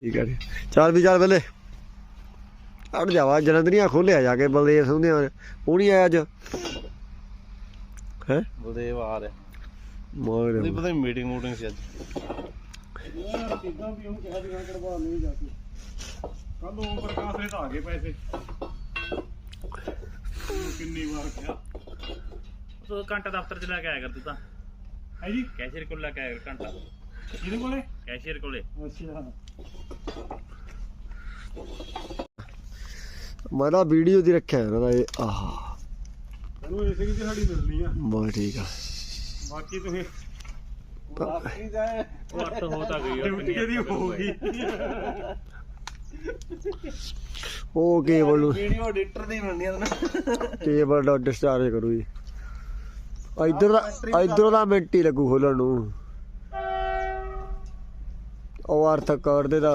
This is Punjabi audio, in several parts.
ठीक है चल भी चल पहले अड़ जावा जलंधरिया खोलिया जाके बलदेव सिंह ने वो नहीं आया अज है बलदेव आ रहा मगर नहीं पता मीटिंग मूटिंग से कल ओम प्रकाश ने तो आ गए पैसे किन्नी बार क्या तो घंटा दफ्तर च लैके आया कर तू तां है जी कैशियर कोल लैके आया कर घंटा किहदे कोले कैशियर कोले अच्छा मैं तो वीडियो दी रखा है ना ये आह तैनू इसे की दिहाड़ी मिलनी आ बहुत ठीक है बाकी तुसीं बाकी जाए घट हो तां गई ड्यूटी दी होगी ओ केबल वीडियो एडिटर नहीं बननी है केबल डिस्चार्ज करू जी इधर ਦਾ ਮਿੰਟ ਹੀ ਲੱਗੂ ਖੋਲਣ ਨੂੰ ਉਹ ਅਰਥ ਕਰਦੇ ਦਾ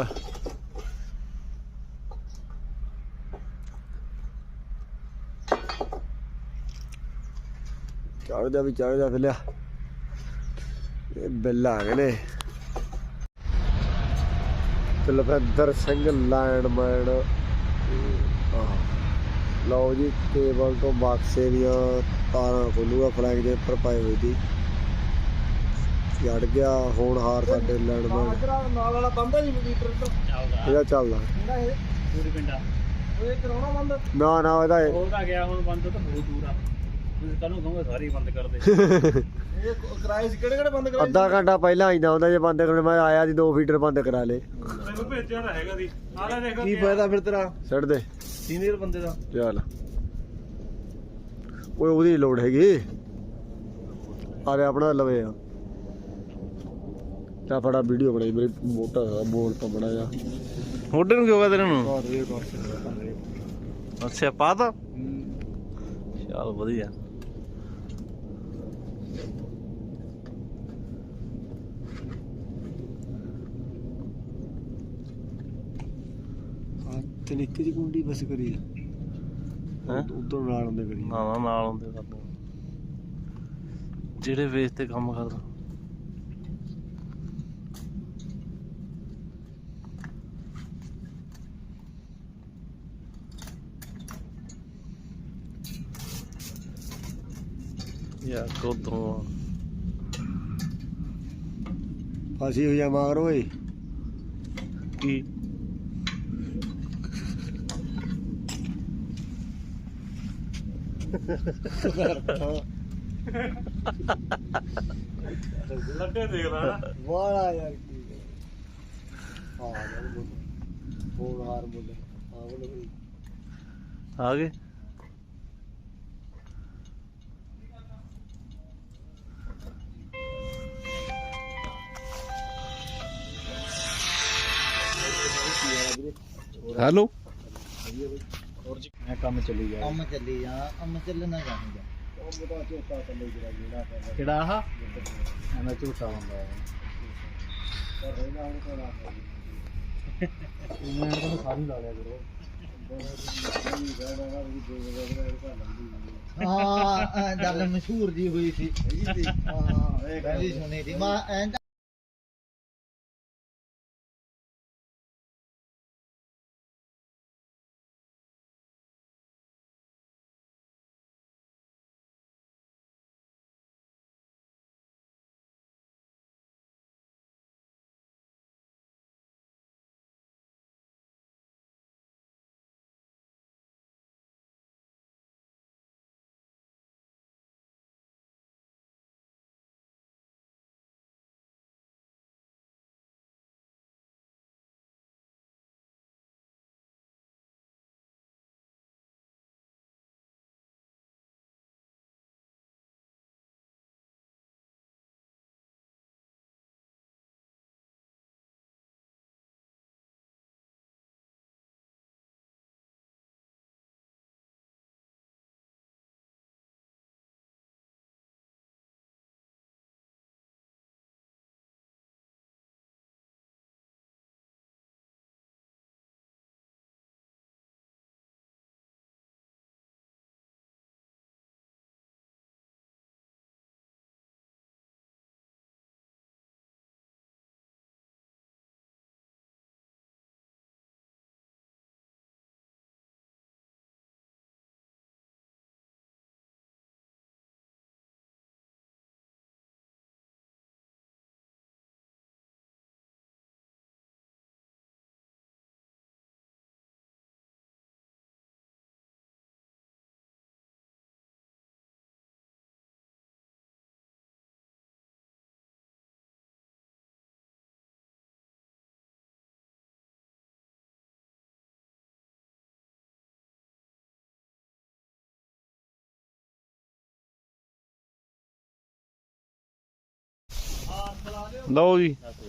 ਚੜਦਾ ਵੀ ਚੜਦਾ ਫਿਰ ਲਿਆ ਇਹ ਬਿੱਲ ਆ ਗਏ ਨੇ ਕੁਲਵਿੰਦਰ ਸਿੰਘ ਲੈਂਡਮੈਨ ਲਓ ਜੀ ਕੇਬਲ ਤੋਂ ਬਾਕਸੇ ਦੀਆਂ ਤਾਰਾਂ ਖੋਲੂਗਾ ਫਲੈਗ ਦੇ ਉੱਪਰ ਪਾਈ ਹੋਈ ਸੀ ਜੜ ਗਿਆ ਹੋਣਹਾਰ ਸਾਡੇ ਲੈਂਡਮੈਨ ਨਾਲ ਵਾਲਾ ਬੰਦਾ ਜੀ ਮੀਟਰ ਤੋਂ ਇਹਦਾ ਚੱਲਦਾ ਕਿਹੜਾ ਇਹ ਪੂਰੀ ਪਿੰਡਾ ਉਹ ਕਰਾਉਣਾ ਬੰਦ ਨਾ ਨਾ ਇਹਦਾ ਹੋ ਤਾਂ ਗਿਆ ਹੁਣ ਬੰਦ ਤਾਂ ਬਹੁਤ ਦੂਰ ਆ ਤੁਸੀਂ ਕੱਲ ਨੂੰ ਕਹੋਗੇ ਸਾਰੇ ਬੰਦ ਕਰ ਦੇ ਇਹ ਕਿਰਾਏ ਸੀ ਕਿਹੜੇ ਬੰਦ ਕਰਾਏ ਅੱਧਾ ਘੰਟਾ ਪਹਿਲਾਂ ਆਈਦਾ ਹੁੰਦਾ ਜੇ ਬੰਦ ਕਰਨ ਮੈਂ ਆਇਆ ਸੀ 2 ਫੀਟਰ ਬੰਦ ਕਰਾ ਲੇ ਤੈਨੂੰ ਭੇਜਿਆ ਤਾਂ ਹੈਗਾ ਦੀ ਆ ਲੈ ਦੇਖ ਕੀ ਫਾਇਦਾ ਫਿਰ ਤੇਰਾ ਛੱਡ ਦੇ ਸੀਨੀਅਰ ਬੰਦੇ ਦਾ ਚੱਲ ਓਏ ਉਹਦੀ ਲੋੜ ਹੈਗੀ ਆਰੇ ਆਪਣਾ ਲਵੇ ਆ ਤਾਂ ਫੜਾ ਵੀਡੀਓ ਬਣਾਈ ਮੇਰੇ ਮੋਟਾ ਬੋਲ ਤੋਂ ਬੜਾ ਜਾ ਮੋਢੇ ਨੂੰ ਕਿਉਂ ਤੇਰੇ ਨੂੰ ਬਹੁਤ ਇਹ ਕਰ ਅੱਛਾ ਪਾਤਾ ਚੱਲ ਵਧੀਆ ਹਾਂ ਤੇ ਨਿੱਕੀ ਦੀ ਕੁੰਡੀ ਬਸ ਕਰੀ ਹੈਂ? ਉਧਰ ਨਾਲ ਹੁੰਦੇ ਕਰੀ ਨਾ ਨਾਲ ਹੁੰਦੇ ਕਰਦੇ ਜਿਹੜੇ ਵੇਚ ਤੇ ਕੰਮ ਕਰਦਾ ਯਾ ਕੋਦੋਂ ਫਾਸੀ ਹੋਈ ਆ ਮਾਰ ਓਏ ਕੀ ਲੱਡੇ ਦੇਖ ਲੈ ਨਾ ਵਾਲਾ ਯਾਰ ਕੀ ਹਾਂ ਹੋਣਹਾਰ ਬੋਲੇ ਹਾਂ ਬੋਲੇ ਆ ਗਏ ਹੈਲੋ ਮੈਂ ਕੰਮ ਚੱਲੀ ਗਿਆ ਕੰਮ ਚੱਲੀ ਜਾ ਕੰਮ ਚੱਲਣਾ ਚਾਹੀਦਾ ਉਹ ਬਤਾ ਚੋਟਾ ਥੱਲੇ ਜਿਹੜਾ ਕਿਹੜਾ ਆਹ ਐਵੇਂ ਝੂਠਾ ਹੁੰਦਾ ਹੈ ਪਰ ਰਹਿਣਾ ਹੁਣ ਕੋਲ ਆ ਮੈਂ ਤਾਂ ਸਾਰੀ ਲਾ ਲਿਆ ਕਰੋ ਹਾਂ ਗੱਲ ਮਸ਼ਹੂਰ ਜੀ ਹੋਈ ਸੀ ਹਾਂ ਕਹਿੰਦੀ ਸੁਣੀ ਸੀ ਮੈਂ ਐਂ ਲਓ ਜੀ ਦੱਸ